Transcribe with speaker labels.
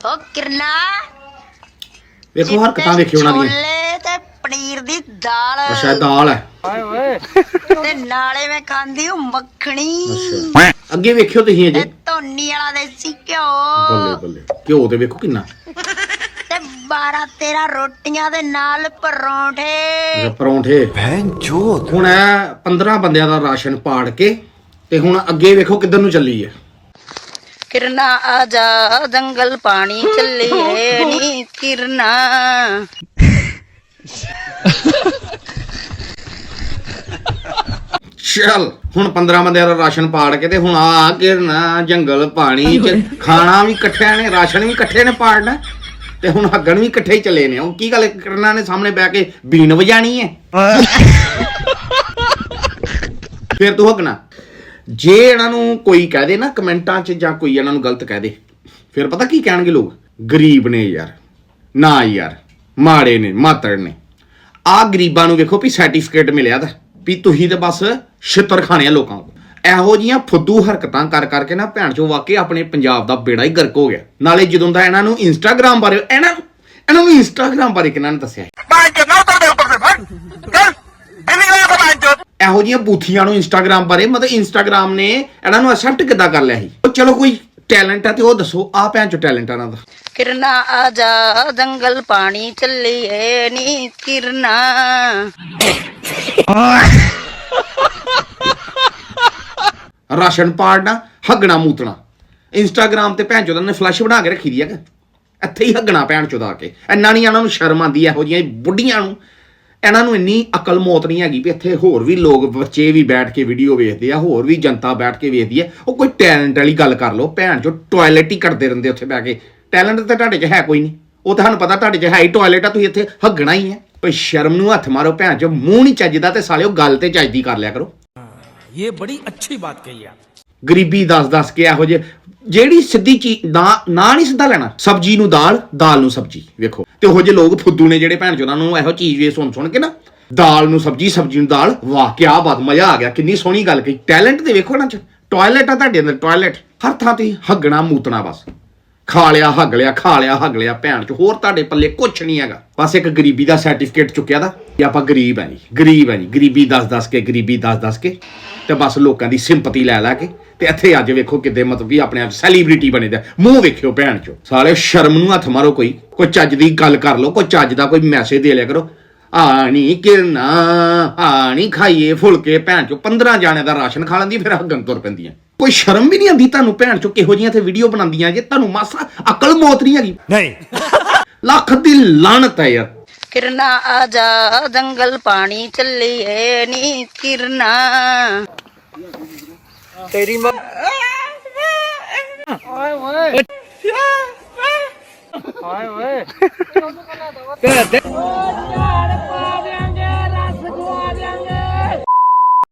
Speaker 1: ਉਹ ਕਿਰਨਾ
Speaker 2: ਵੇਖੋ ਹਰਕਤਾਂ ਵੇਖਿਓ ਉਹਨਾਂ ਦੀਆਂ।
Speaker 1: ਛੋਲੇ ਤੇ ਪਨੀਰ ਦੀ ਦਾਲ।
Speaker 2: ਅੱਛਾ ਦਾਲ ਹੈ।
Speaker 1: ਓਏ ਓਏ ਤੇ ਨਾਲੇ ਮੈਂ ਖਾਂਦੀ ਹੂੰ ਮੱਖਣੀ।
Speaker 2: ਅੱਛਾ ਅੱਗੇ ਵੇਖਿਓ ਤੁਸੀਂ ਅਜੇ।
Speaker 1: ਤੇ ਧੋਨੀ ਵਾਲਾ ਦੇਸੀ ਘਿਓ।
Speaker 2: ਬੱਲੇ ਬੱਲੇ ਘਿਓ ਤੇ ਵੇਖੋ ਕਿੰਨਾ।
Speaker 1: ਤੇ 12-13 ਰੋਟੀਆਂ ਦੇ ਨਾਲ ਪਰੌਂਠੇ।
Speaker 2: ਪਰੌਂਠੇ ਹੁਣ ਇਹ 15 ਬੰਦਿਆਂ ਦਾ ਰਾਸ਼ਨ ਪਾੜ ਕੇ ਤੇ ਹੁਣ ਅੱਗੇ ਵੇਖੋ ਕਿੱਧਰ ਨੂੰ ਚੱਲੀ ਹੈ।
Speaker 1: ਕਿਰਨਾ ਆ ਜਾ ਜੰਗਲ ਪਾਣੀ ਚੱਲੀਏ ਨੀ ਕਿਰਨਾ।
Speaker 2: ਚੱਲ ਹੁਣ 15 ਬੰਦਿਆਂ ਦਾ ਰਾਸ਼ਨ ਪਾੜ ਕੇ ਤੇ ਹੁਣ ਆ ਕਿਰਨਾ ਜੰਗਲ ਪਾਣੀ ਚ ਖਾਣਾ ਵੀ ਇਕੱਠਿਆਂ ਨੇ ਰਾਸ਼ਨ ਵੀ ਇਕੱਠੇ ਨੇ ਪਾੜਨਾ ਤੇ ਹੁਣ ਹੱਗਣ ਵੀ ਇਕੱਠੇ ਹੀ ਚੱਲੇ ਨੇ। ਉਹ ਕੀ ਗੱਲ ਕਿਰਨਾ ਨੇ ਸਾਹਮਣੇ ਬਹਿ ਕੇ ਬੀਨ ਵਜਾਣੀ ਹੈ। ਫਿਰ ਤੂੰ ਹੱਗਣਾ। ਜੇ ਇਹਨਾਂ ਨੂੰ ਕੋਈ ਕਹਿ ਦੇ ਨਾ ਕਮੈਂਟਾਂ 'ਚ ਜਾਂ ਕੋਈ ਇਹਨਾਂ ਨੂੰ ਗਲਤ ਕਹਿ ਦੇ ਫਿਰ ਪਤਾ ਕੀ ਕਹਿਣਗੇ ਲੋਕ, ਗਰੀਬ ਨੇ ਯਾਰ, ਨਾ ਯਾਰ ਮਾੜੇ ਨੇ ਮਾਤੜ ਨੇ। ਆਹ ਗਰੀਬਾਂ ਨੂੰ ਵੇਖੋ ਵੀ ਸਰਟੀਫਿਕੇਟ ਮਿਲਿਆ ਤਾਂ ਵੀ ਤੁਸੀਂ ਤੇ ਬਸ ਛਿੱਤਰ ਖਾਣੇ ਆ ਲੋਕਾਂ ਕੋਲ। ਇਹੋ ਜੀਆਂ ਫੁੱਦੂ ਹਰਕਤਾਂ ਕਰ ਕਰਕੇ ਨਾ ਭੈਣ ਚੋ ਵਾਕਈ ਆਪਣੇ ਪੰਜਾਬ ਦਾ ਬੇੜਾ ਹੀ ਗਰਕ ਹੋ ਗਿਆ। ਨਾਲੇ ਜਦੋਂ ਦਾ ਇਹਨਾਂ ਨੂੰ ਇੰਸਟਾਗ੍ਰਾਮ ਬਾਰੇ ਇਹਨਾਂ ਨੂੰ ਇੰਸਟਾਗ੍ਰਾਮ ਬਾਰੇ ਕਿਹਨਾਂ ਨੇ ਦੱਸਿਆ? ਇਹੋ ਜਿਹੀਆਂ ਬੂਥੀਆਂ ਨੂੰ ਇੰਸਟਾਗ੍ਰਾਮ ਬਾਰੇ ਮਤਲਬ ਇੰਸਟਾਗ੍ਰਾਮ ਨੇ ਇਹਨਾਂ ਨੂੰ ਐਕਸੈਪਟ ਕਿੱਦਾਂ ਕਰ ਲਿਆ ਸੀ? ਚਲੋ ਕੋਈ ਟੈਲੈਂਟ ਹੈ ਤੇ ਉਹ ਦੱਸੋ। ਆ ਭੈਣ ਚੋ ਟੈਲੈਂਟ ਇਹਨਾਂ ਦਾ।
Speaker 1: ਕਿਰਨਾ ਆ ਜਾ ਜੰਗਲ ਪਾਣੀ ਚੱਲੀਏ ਨੀ ਕਿਰਨਾ।
Speaker 2: ਰਾਸ਼ਨ ਪਾੜਨਾ, ਹੱਗਣਾ ਮੂਤਣਾ। ਇੰਸਟਾਗ੍ਰਾਮ ਤੇ ਭੈਣ ਚੋਦਾਂ ਨੇ ਫਲੈਸ਼ ਬਣਾ ਕੇ ਰੱਖੀ ਦੀ ਹੈ ਕਿ ਇੱਥੇ ਹੀ ਹੱਗਣਾ ਭੈਣ ਚੋਦਾ ਕੇ। ਇੰਨਾ ਨਹੀਂ ਇਹਨਾਂ ਨੂੰ ਸ਼ਰਮ ਆਉਂਦੀ ਇਹੋ ਜਿਹੀਆਂ ਬੁੱਢੀਆਂ ਨੂੰ। ਇਹਨਾਂ ਨੂੰ ਇੰਨੀ ਅਕਲ ਮੌਤ ਨਹੀਂ ਹੈਗੀ ਵੀ ਇੱਥੇ ਹੋਰ ਵੀ ਲੋਕ ਬੱਚੇ ਵੀ ਬੈਠ ਕੇ ਵੀਡੀਓ ਵੇਖਦੇ ਆ, ਹੋਰ ਵੀ ਜਨਤਾ ਬੈਠ ਕੇ ਵੇਖਦੀ ਹੈ। ਉਹ ਕੋਈ ਟੈਲੈਂਟ ਵਾਲੀ ਗੱਲ ਕਰ ਲਓ। ਭੈਣ ਚੋ ਟੋਇਲਟ ਹੀ ਕਰਦੇ ਰਹਿੰਦੇ ਉੱਥੇ ਬਹਿ ਕੇ। ਟੈਲੈਂਟ ਤਾਂ ਤੁਹਾਡੇ 'ਚ ਹੈ ਕੋਈ ਨਹੀਂ। ਉਹ ਤੁਹਾਨੂੰ ਪਤਾ ਤੁਹਾਡੇ 'ਚ ਹੈ ਹੀ ਟੋਇਲਟ ਆ, ਤੁਸੀਂ ਇੱਥੇ ਹੱਗਣਾ ਹੀ ਹੈ। ਕੋਈ ਸ਼ਰਮ ਨੂੰ ਹੱਥ ਮਾਰੋ ਭੈਣ ਚੋ। ਮੂੰਹ ਨਹੀਂ ਚੱਜਦਾ ਤੇ ਸਾਲਿਓ ਗੱਲ ਤੇ ਚੱਜਦੀ ਕਰ ਲਿਆ ਕਰੋ।
Speaker 3: ਇਹ ਬੜੀ ਅੱਛੀ ਬਾਤ ਕਹੀ ਆ।
Speaker 2: ਗਰੀਬੀ ਦੱਸ ਕੇ ਇਹੋ ਜਿਹੇ ਜਿਹੜੀ ਸਿੱਧੀ ਚੀਜ਼ ਨਾ ਨਹੀਂ ਸਿੱਧਾ ਲੈਣਾ। ਸਬਜ਼ੀ ਨੂੰ ਦਾਲ, ਦਾਲ ਨੂੰ ਸਬਜ਼ੀ। ਵੇਖੋ ਤੇ ਉਹੋ ਜਿਹੇ ਲੋਕ ਫੁੱਦੂ ਨੇ ਜਿਹੜੇ ਭੈਣ ਚੋ ਉਹਨਾਂ ਨੂੰ ਇਹੋ ਚੀਜ਼ ਵੇ ਸੁਣ ਕੇ ਨਾ ਦਾਲ ਨੂੰ ਸਬਜ਼ੀ, ਸਬਜ਼ੀ ਨੂੰ ਦਾਲ। ਵਾਹ ਕਿਆ ਬਾਤ, ਮਜ਼ਾ ਆ ਗਿਆ। ਕਿੰਨੀ ਸੋਹਣੀ ਗੱਲ ਕਹੀ। ਟੈਲੈਂਟ ਤੇ ਵੇਖੋ ਨਾ ਚ ਟੋਇਲਟ ਆ ਤੁਹਾਡੇ ਅੰਦਰ। ਟੋਇਲਟ ਹਰ ਥਾਂ ਤੇ ਹੱਗਣਾ ਮੂਤਣਾ ਬਸ। ਖਾ ਲਿਆ ਹੱਗ ਲਿਆ, ਖਾ ਲਿਆ ਹੱਗ ਲਿਆ। ਭੈਣ ਚ ਹੋਰ ਤੁਹਾਡੇ ਪੱਲੇ ਕੁਛ ਨਹੀਂ ਹੈਗਾ। ਬਸ ਇੱਕ ਗਰੀਬੀ ਦਾ ਸਰਟੀਫਿਕੇਟ ਚੁੱਕਿਆ ਦਾ ਕਿ ਆਪਾਂ ਗਰੀਬ ਹੈ ਜੀ, ਗਰੀਬ ਹੈ ਜੀ। ਗਰੀਬੀ ਦੱਸ ਕੇ, ਗਰੀਬੀ ਦੱਸ ਕੇ ਤੇ ਬਸ ਲੋਕਾਂ ਦੀ ਸਿੰਪਤੀ ਲੈ ਕੇ ਤੇ ਇੱਥੇ ਅੱਜ ਵੇਖੋ ਕਿਤੇ ਮਤਲਬ ਵੀ ਆਪਣੇ ਆਪ ਸੈਲੀਬ੍ਰਿਟੀ ਬਣੇ ਦਾ। ਮੂੰਹ ਵੇਖਿਓ ਭੈਣ ਚੋ। ਸਾਲੇ ਸ਼ਰਮ ਨੂੰ ਹੱਥ ਮਾਰੋ। ਕੋਈ ਚੱਜ ਦੀ ਗੱਲ ਕਰ ਲਓ। ਕੋਈ ਚੱਜ ਦਾ ਕੋਈ ਮੈਸੇਜ ਦੇ ਲਿਆ ਕਰੋ। ਆਣੀ ਕਿਰਨਾ ਆਣੀ ਖਾਈਏ ਫੁਲਕੇ। ਭੈਣ ਚੋ 15 ਜਾਣੇ ਦਾ ਰਾਸ਼ਨ ਖਾ ਲੈਂਦੀ ਫਿਰ ਹੱਗਣ ਤੁਰ ਪੈਂਦੀਆਂ। ਕੋਈ ਸ਼ਰਮ ਵੀ ਨਹੀਂ ਆਉਂਦੀ ਤੁਹਾਨੂੰ ਭੈਣ ਚੋ? ਕਿਹੋ ਜਿਹੀਆਂ ਤੇ ਵੀਡੀਓ ਬਣਾਉਂਦੀਆਂ ਜੇ ਤੁਹਾਨੂੰ ਮਾਸਾ ਅਕਲ ਮੌਤ ਨਹੀਂ ਹੈਗੀ। ਨਹੀਂ ਲੱਖ ਦੀ ਲਾਹਨਤ ਹੈ ਯਾਰ।
Speaker 1: ਕਿਰਨਾ ਆ ਜਾ ਜੰਗਲ ਪਾਣੀ ਚੱਲੀਏ ਨੀ ਕਿਰਨਾ।
Speaker 3: ਤੇਰੀ ਮਾਂ ਓਏ ਓਏ ਓਏ ਓਏ